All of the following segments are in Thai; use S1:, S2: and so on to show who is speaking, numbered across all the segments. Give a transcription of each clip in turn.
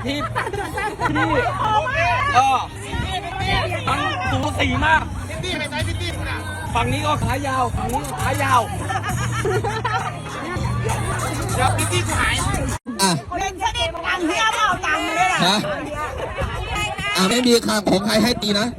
S1: ที่มันสูสีมากฝั่งนี้ก็ขายาวฝั่งนี้ก็ขายาวเดี๋ยวพี่กูหาย
S2: เป็นชนิดตังเที่ยวเอาตังค์เลยนะ
S3: ไม่มีคำของใครให้ตีนะ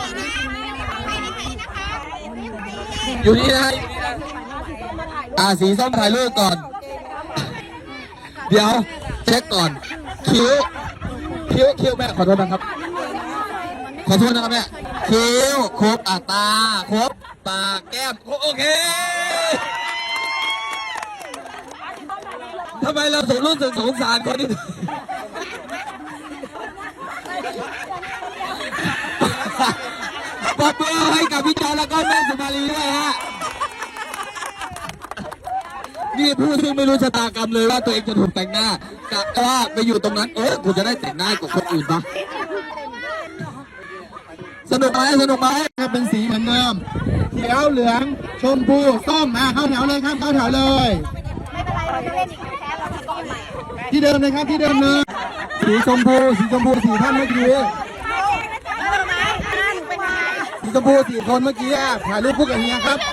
S3: อยู่นี่นะสีส้มถ่ายรูปก่อนเดี๋ยวเช็คก่อนคิ้วแม่ขอโทษนะครับขอโทษนะครับแม่คิ้วครบตาครบปากแก้มโอเคทำไมเรารู้สึกสงสารคนนี้ปรบมือให้กับพี่จอแล้วก็แม่สุมาลีด้วยฮะนี่ผู้ซึ่งไม่รู้ชะตากรรมเลยว่าตัวเองจะถูกแต่งหน้ากะว่าไปอยู่ตรงนั้นกูจะได้แต่งหน้ากว่าคนอื่นปะสนุกไหมครับเป็นสีเหมือนเดิมเขียวเหลืองชมพูส้มเข้าแถวเลยครับเข้าแถวเลย
S2: ไม่เป็นไรเราจะเล่นอีกแค่เราจะก้อนใหม่
S3: ที่เดิมเลยครับที่เดิมเลยสีชมพูสีท่านเมื่อกี้สีชมพู4 คนเมื่อกี้ถ่ายรูปคู่กับเฮียครับ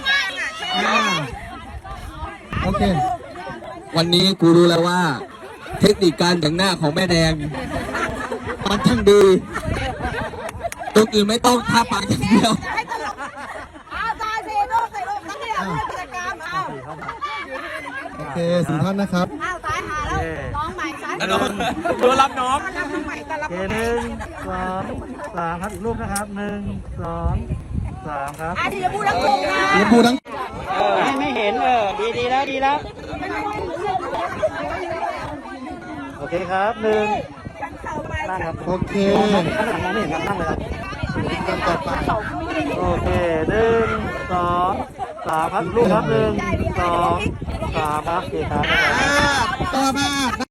S3: โอเควันนี้กูรู้แล้วว่าเทคนิคการแต่งหน้าของแม่แดงมันช่างดีตรงอื่นไม่ต้องทาปากอย่างเดียว
S2: ตายสิลูกใส่ลูกนั่นเนี่ยกิจกรรม
S3: โอเค4 ท่านนะครับ
S2: ตายหาแล้วร้องใหม่ซ้าย
S1: ตัวรับน้อง
S2: 1 2 3
S4: ครับอีกรูปนะครับ1 2 3ครับ
S2: ทีละพูดทั้งกลุ่มนะ
S3: ทีละพูดทั้ง
S4: ไม่เห็นดีแล้วโอเคครับ1นั่งครับ
S3: โอเค
S4: นั่งไม่เห็นครับนั่งเลยครับ
S3: ต่อไป
S4: โอเค1 2 3ครับอีกรูปครับ1 2 3ครับโอเคครับ
S3: ต่อมา